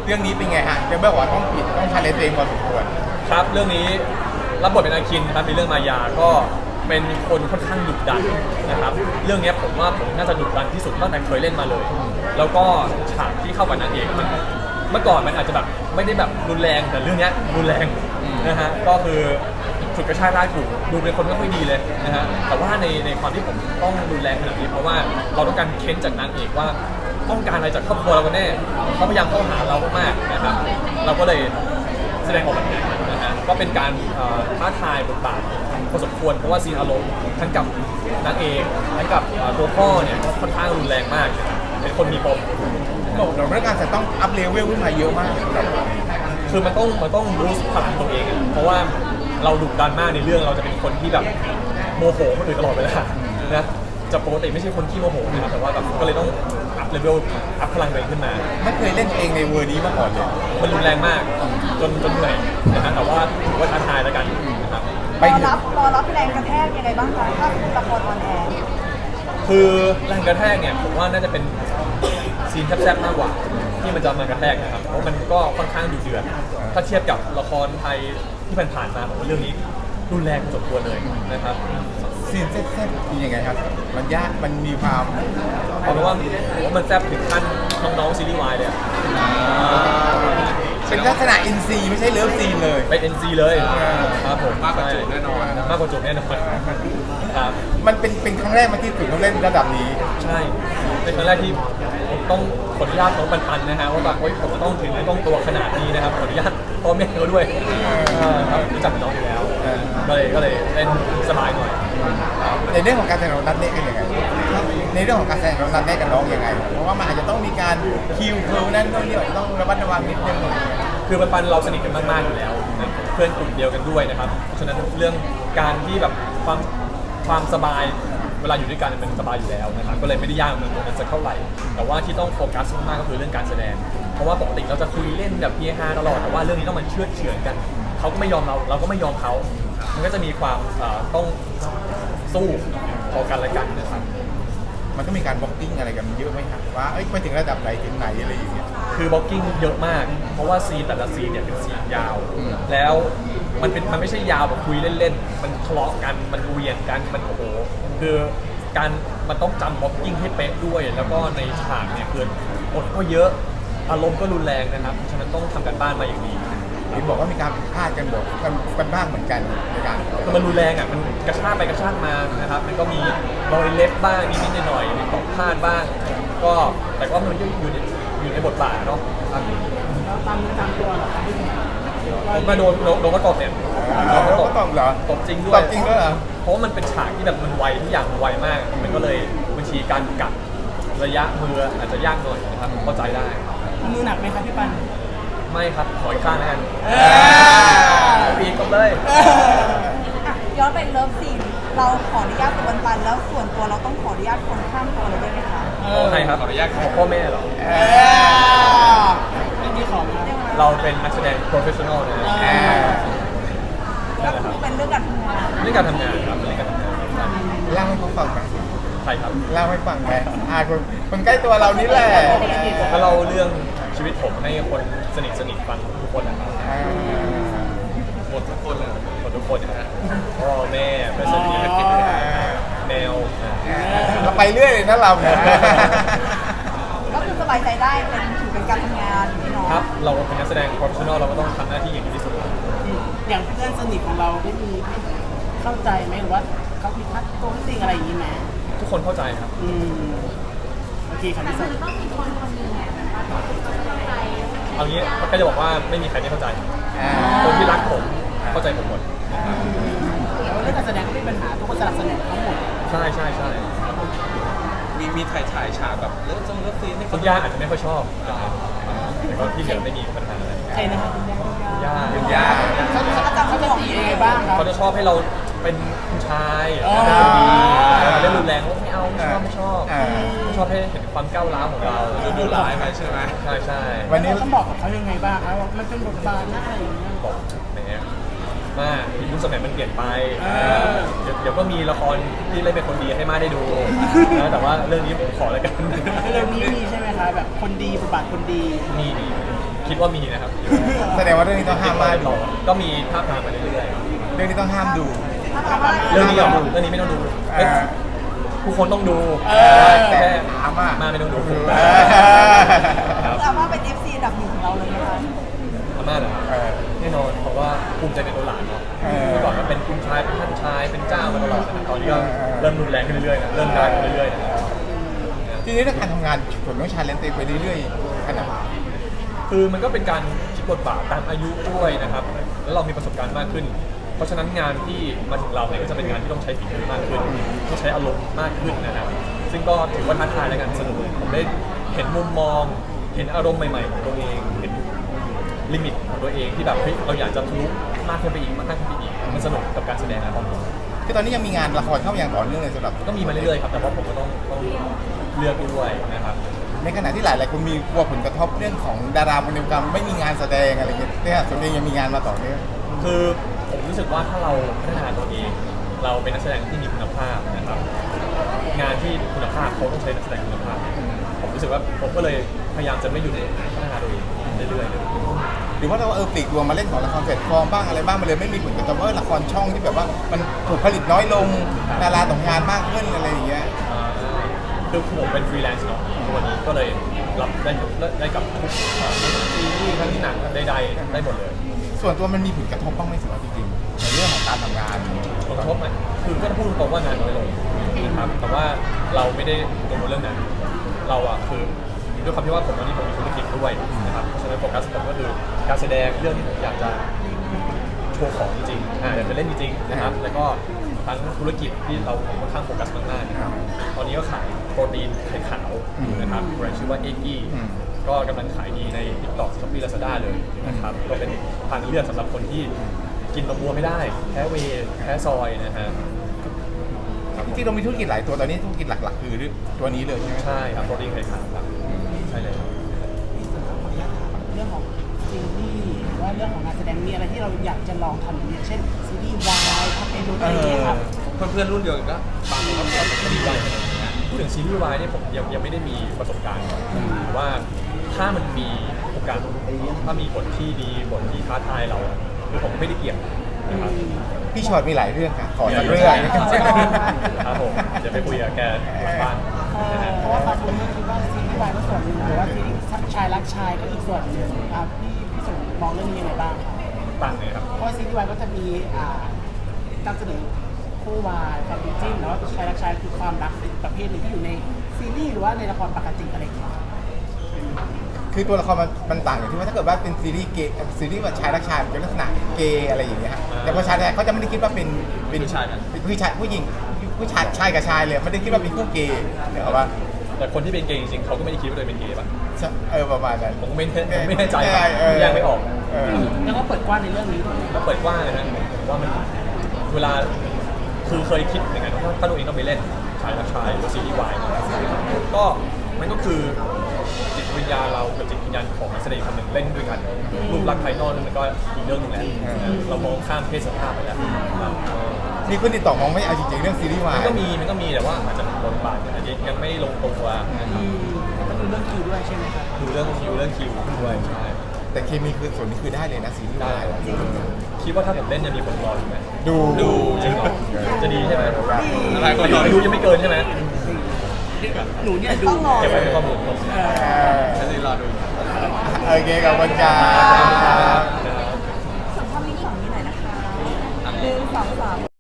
เรื่องนี้เป็นไงฮะจะบอกว่าต้องผิดต้องชาเลนจ์ตัวเองพอสมควรครับเรื่องนี้รับบทเป็นอาคินครับในเรื่องมายาก็เป็นคนค่อนข้างดุดันนะครับเรื่องนี้ผมว่าผมน่าจะดุดันที่สุดตั้งแต่เคยเล่นมาเลยแล้วก็ฉากที่เข้ากับนางเอกมันเมื่อก่อนมันอาจจะแบบไม่ได้แบบรุนแรงแต่เรื่องนี้รุนแรงนะฮะก็คือฉุดกระชากลากถูกดูเป็นคนไม่ค่อยดีเลยนะฮะแต่ว่าในความที่ผมต้องรุนแรงขนาดนี้เพราะว่าเราต้องการเค้นจากนางเอกว่าต้องการอะไรจากครอบครัวเรากันแน่เขาพยายามเข้าหาเรามากๆนะครับเราก็เลยแสดงออกแบบนี้นะฮะก็เป็นการท้าทายบทบาทพอสมควรเพราะว่าซีนอารมณ์ทั้งกับนางเอกทั้งกับตัวพ่อเนี่ยค่อนข้างรุนแรงมากเป็นคนมีปมบอกเราเรื่องการจะต้องอัพเลเวลขึ้นมาเยอะมากคือมันต้องรู้พลังตัวเองเพราะว่าเราดุดันมากในเรื่องเราจะเป็นคนที่แบบโมโหคนอื่นตลอดเวลานะจะปกติไม่ใช่คนที่โมโหนะครับแต่ว่าแบบก็เลยต้องอัพเลเวลอัพพลังตัวเองขึ้นมาไม่เคยเล่นเองในเวอร์นี้มาก่อนเลยมันรุนแรงมากจนเหนื่อยนะฮะแต่ว่าถือว่าท้าทายแล้วกันนะครับรอรับแรงกระแทกยังไงบ้างคะถ้าคุณละครออนแอร์คือแรงกระแทกเนี่ยผมว่าน่าจะเป็นซีนแซ่บๆมากกว่าที่มันจะมากระแทกนะครับเพราะมันก็ค่อนข้างดุเดือดถ้าเทียบกับละครไทยที่ผ่านมาผมว่าเรื่องนี้รุนแรงพอสมควรเลยนะครับซีนแซ่บๆเป็นยังไงครับมันยากมันมีความเพราะว่ามันแซ่บถึงขั้นน้องๆซีรีส์วายเลยเป็นลักษณะอินซีไม่ใช่เลิฟซีนเลยเป็น NC เลยครับผมมากกว่าจูบแน่นอนมากกว่าจูบแน่นอนครับมันเป็นครั้งแรกมาที่ถึงต้องเล่นระดับนี้ใช่เป็นครั้งแรกที่ผมต้องขออนุญาตน้องปันๆนะฮะว่าแบบผมจะต้องถึงต้องตัวขนาดนี้นะครับขออนุญาตพ่อแม่เขาด้วยครับรู้จักน้องอยู่แล้วก็เลยเล่นสบายหน่อยในเรื่องของการแสดงของนัทเน่กันยังไงในเรื่องของการแสดงของนัทเน่กับน้องยังไงเพราะว่ามันอาจจะต้องมีการคิวนั่นนี่ต้องระมัดระวังนิดนึงคือปันเราสนิทกันมากๆอยู่แล้วเพื่อนกลุ่มเดียวกันด้วยนะครับเพราะฉะนั้นเรื่องการที่แบบความสบายเวลาอยู่ด้วยกันมันสบายอยู่แล้วนะครับก็เลยไม่ได้ยากเหมือนกันสักเท่าไหร่แต่ว่าที่ต้องโฟกัสมากก็คือเรื่องการแสดงเพราะว่าปกติเราจะคุยเล่นแบบเฮฮาตลอดแต่ว่าเรื่องนี้ต้องมันเชื่อเฉือนกันเขาก็ไม่ยอมเราก็ไม่ยอมเขามันก็จะมีความต้องสู้พอกันและกันนะครับมันก็มีการบล็อกกิ้งอะไรกันเยอะไหมครับว่าไปถึงระดับไหนถึงไหนอะไรอย่างเงี้ยคือบล็อกกิ้งเยอะมากเพราะว่าซีนแต่ละซีนเนี่ยเป็นซีนยาวแล้วมันไม่ใช่ยาวแบบคุยเล่นๆมันทะเลาะกันมันเวียนกันมันโอ้โหคือมันต้องจำบล็อกกิ้งให้เป๊ะด้วยแล้วก็ในฉากเนี่ยคือบทก็เยอะอารมณ์ก็รุนแรงนะครับฉะนั้นต้องทำกันบ้านมาอย่างดีเห็นบอกว่ามีการพลาดกันบอกกันบ้างเหมือนกันในการมันรุนแรงอ่ะมันกระชากไปกระชากมานะครับมันก็มีรอยเล็บบ้างนิดๆหน่อยๆมีตกพลาดบ้างก็แต่ก็มันอยู่ในบทบาทเนาะตามตัวเหรอผมมาโดนก็ตบเนี่ยก็ตบเหรอตบจริงด้วยตบจริงด้วยเหรอเพราะมันเป็นฉากที่แบบมันไวทุกอย่างมันไวมากมันก็เลยบัญชีการกัดระยะมืออาจจะยากหน่อยนะครับเข้าใจได้มือหนักไหมครับพี่ปันไม่ครับขออีกข้างแล้วกันปีกเลยย้อนไปเลิฟซีนเราขออนุญาตตัวปันแล้วส่วนตัวเราต้องขออนุญาตคนข้ามตัวเราด้วยไหมคะใช่ครับขออนุญาตของพ่อแม่เหรอไม่มีของเราเป็นนักแสดง professional นะก็คือเป็นเรื่องการทำงานเรื่องการทำงานครับเรื่องการทำงานเล่าให้เขาฟังไหมใช่ครับเล่าให้ฟังไหมคนใกล้ตัวเรานี่แหละก็เล่าเรื่องชีวิตผมให้คนสนิทฟังทุกคนนะครับหมดทุกคนเลยหมดทุกคนนะฮะพ่อแม่เพื่อนสนิทแมวเราไปเรื่อยเลยนะเราเนี่ยก็คือสบายใจได้ถือเป็นการทำงานพี่น้องครับเราเป็นนักแสดง professional เราก็ต้องทำหน้าที่อย่างดีที่สุดอย่างเพื่อนสนิทของเราได้มีเข้าใจไหมหรือว่าเขามีทักโกงสิ่งอะไรอย่างนี้ไหมทุกคนเข้าใจครับโอเคครับพี่สนต้องมีคนนึงเนี่ยเอางี้ก็จะบอกว่าไม่มีใครไม่เข้าใจคนที่รักผมเข้าใจผมหมดแล้วเรื่องการแสดงก็ไม่มีปัญหาทุกคนสนับสนุนทั้งหมดใช่มีถ่ายฉากแบบเลิฟซีนคุณย่าอาจจะไม่ค่อยชอบแต่ก็ที่เหลือไม่มีปัญหาอะไรใครนะครับคุณย่าเขาจะบอกยังไงบ้างครับเขาจะชอบให้เราเป็นผู้ชายเล่นรุนแรงว่าไม่เอาไม่ชอบให้เห็นความก้าวร้าวของเราดูร้ายไปใช่ไหมใช่วันนี้ต้องบอกกับเขายังไงบ้างครับว่ามันเป็นบทบาทหน้าอะไรอย่างเงี้ยบอกแหมว่ายุคสมัยมันเปลี่ยนไปเดี๋ยวก็มีละครที่เล่นเป็นคนดีให้มาได้ดูนะแต่ว่าเรื่องนี้ผมขอแล้วกันเรื่องนี้มีใช่ไหมคะแบบคนดีบทบาทคนดีมีคิดว่ามีนะครับแสดงว่าเรื่องนี้ต้องห้ามมากดูก็มีภาพทางมาเรื่อยเรื่องนี้ต้องห้ามดูๆเรื่องนี้เหรอเรื่องนี้ไม่ต้องดูเอเอ้ยอผู้คนต้องดูแต่แค่อาม่ามาไม่ต้องดูเออครับอาม่าเป็น FC อันดับหนึ่งของเราเลยนะคะอาม่าเหรอครับเออแน่นอนเพราะว่าภูมิใจในตัวหลานเนาะเออเมื่อก่อนก็เป็นคุณชายเป็นท่านชายเป็นเจ้ามาตลอดนะครับตอนนี้ก็เออเริ่มรุนแรงขึ้นเรื่อยๆนะเริ่มดังขึ้นเรื่อยๆนะครับทีนี้เรื่องการทำงานผมต้องชาเลนจ์ตัวเองไปเรื่อยๆขนาดคือมันก็เป็นการคิดบทบาทตามอายุด้วยนะครับ แล้วเรามีประสบการณ์มากขึ้น เพราะฉะนั้นงานที่มาถึงเราเนี่ยก็จะเป็นงานที่ต้องใช้ฝีมือมากขึ้นต้องใช้อารมณ์มากขึ้นนะครับ ซึ่งก็ถือว่าท้าทายและกันสนุกผมได้เห็นมุมมอง เห็นอารมณ์ใหม่ๆของตัวเอง เห็นลิมิตของตัวเองที่แบบเฮ้ยเราอยากจะทะลุมากขึ้นไปอีกมากขึ้นไปอีก มันสนุกกับการแสดงนะครับคือตอนนี้ยังมีงานละครเข้ามาอย่างต่อเนื่องเลยสำหรับก็มีมาเรื่อยๆครับ แต่ว่าผมก็ต้องเลือกด้วยนะครับในขณะที่หลายคนมีกลัวผลกระทบเรื่องของดาราคนเดียวกันไม่มีงานแสดงอะไรเงี้ยเนี่ยส่วนเองยังมีงานมาต่อเนื่องคือผมรู้สึกว่าถ้าเราพัฒนาตัวเอง เราเป็นนักแสดงที่มีคุณภาพนะครับ งานที่คุณภาพเขาต้องใช้นักแสดงคุณภาพ ผมรู้สึกว่าผมก็เลยพยายามจะไม่หยุดพัฒนาตัวเองเรื่อยๆเลยหรือว่าเราปลีกตัวมาเล่นของละครแพลตฟอร์มบ้างอะไรบ้างมันเลยไม่มีผลกระทบละครช่องที่แบบว่ามันถูกผลิตน้อยลงดาราตกงานมากขึ้นอะไรอย่างเงี้ยคือผมเป็นฟรีแลนซ์เนาะวันนี้ก็เลยรับได้กับทุกซีรีส์ทั้งหนังใดๆได้หมดเลยส่วนตัวมันมีผลกระทบบ้างไหมสำหรับจริงๆในเรื่องของการทำงานผลกระทบไหมคือก็ต้องพูดตรงๆว่างานน้อยลงนะครับ แต่ว่าเราไม่ได้กังวลเรื่องนั้น เราอะคือด้วยความที่ว่าผมวันนี้ผมมีธุรกิจด้วยนะครับ เพราะฉะนั้นโฟกัสผมก็คือการแสดงเรื่องที่ผมอยากจะโชว์ของจริงๆอยากจะเล่นจริงๆนะครับ แล้วก็ทั้งธุรกิจที่เราค่อนข้างโฟกัสมากๆนะครับตอนนี้ก็ขายโปรตีนไข่ขาวนะครับแบรนด์ชื่อว่าเอ็กกี้ ก็กำลังขายดีใน TikTok Shopee Lazada เลยนะครับ ก็เป็นทางเลือกสำหรับคนที่กินนมวัวไม่ได้ แพ้เวย์แพ้ซอยนะฮะจริงๆเรามีธุรกิจหลายตัวตอนนี้ธุรกิจหลักๆ คือตัวนี้เลยใช่ไหมใช่ครับโปรตีนไข่ขาวครับใช่เลยเรื่องของซีรีส์หรือว่าเรื่องของงานแสดงมีอะไรที่เราอยากจะลองทำอย่างเช่นซีรีส์วายภาพยนตร์อะไรอย่างเงี้ยครับเพื่อนๆรุ่นเดียวกันก็ฟังแล้วก็ดีใจพูดถึงซีรีส์วายเนี่ยผมยังไม่ได้มีประสบการณ์หรือว่าถ้ามันมีโอกาสถ้ามีบทที่ดีบทที่ท้าทายเราคือผมไม่ได้เกี่ยงนะครับพี่ชอตมีหลายเรื่องค่ะขอสักเรื่องครับผมเดี๋ยวไปคุยกับแกหลังบ้านนะฮะเพราะว่าบางคนก็คิดว่าซีรีส์วายก็ส่วนหนึ่งหรือว่าซีรีส์ชายรักชายก็อีกส่วนหนึ่งครับพี่สุมองเรื่องนี้ยังไงบ้างครับต่างเลยครับเพราะว่าซีรีส์วายก็จะมีนำเสนอคู่วายความเป็นจริงแล้วชายรักชายคือความรักอีกประเภทหนึ่งที่อยู่ในซีรีส์หรือว่าในละครปกติอะไรอย่างเงี้ยคือตัวละครมันต่างอย่างที่ว่าถ้าเกิดว่าเป็นซีรีส์เกย์ซีรีส์ว่าชายรักชายมันเป็นลักษณะเกย์อะไรอย่างเงี้ยฮะแต่พอชายเขาจะไม่ได้คิดว่าเป็นผู้ชายผู้หญิงผู้ชายชายกับชายเลยไม่ได้คิดว่าเป็นคู่เกย์เดี๋ยวว่าแต่คนที่เป็นเกย์จริงๆเขาก็ไม่ได้คิดว่าตัวเองเป็นเกย์ป่ะประมาณนั้นผมไม่แน่ใจครับแยกไม่ออกแล้วก็เปิดกว้างในเรื่องนี้ด้วยก็เปิดกว้างเลยนะผมว่ามันเวลาคือเคยคิดอย่างนั้นถ้าตัวเองต้องไปเล่นชายรักชายหรือซีรีส์วายก็มันก็คือจิตวิญญาณเรากับจิตวิญญาณของนักแสดงคนหนึ่งเล่นด้วยกันรูปลักษณ์ภายนอกมันก็อีกเรื่องหนึงแหละเรามองข้ามเพศสภาพไปแล้วมีคนติดต่อมองไม่เอาจริงๆเรื่องซีรีส์วายมันก็มีแต่ว่าอาจจะบทบาทอาจจะยังไม่ลงตัวนะครับก็คือเรื่องคิวด้วยใช่ไหมครับดูเรื่องคิวด้วยใช่แต่เคมีคือส่วนนี้คือได้เลยนะซีรีส์ได้วายคิดว่าถ้าผมเล่นจะมีคนรออยู่ไหมดูจริงเหรอจะดีใช่ไหมอะไรก็อายุยังไม่เกินใช่ไหมหนูเนี่ยดูต้องรอเก็บไว้เป็นข้อมูลผมจะได้รอดูโอเคกับวันกาสัมภาษณ์ลิงก์ฝั่งนี้หน่อยนะคะ1 2 3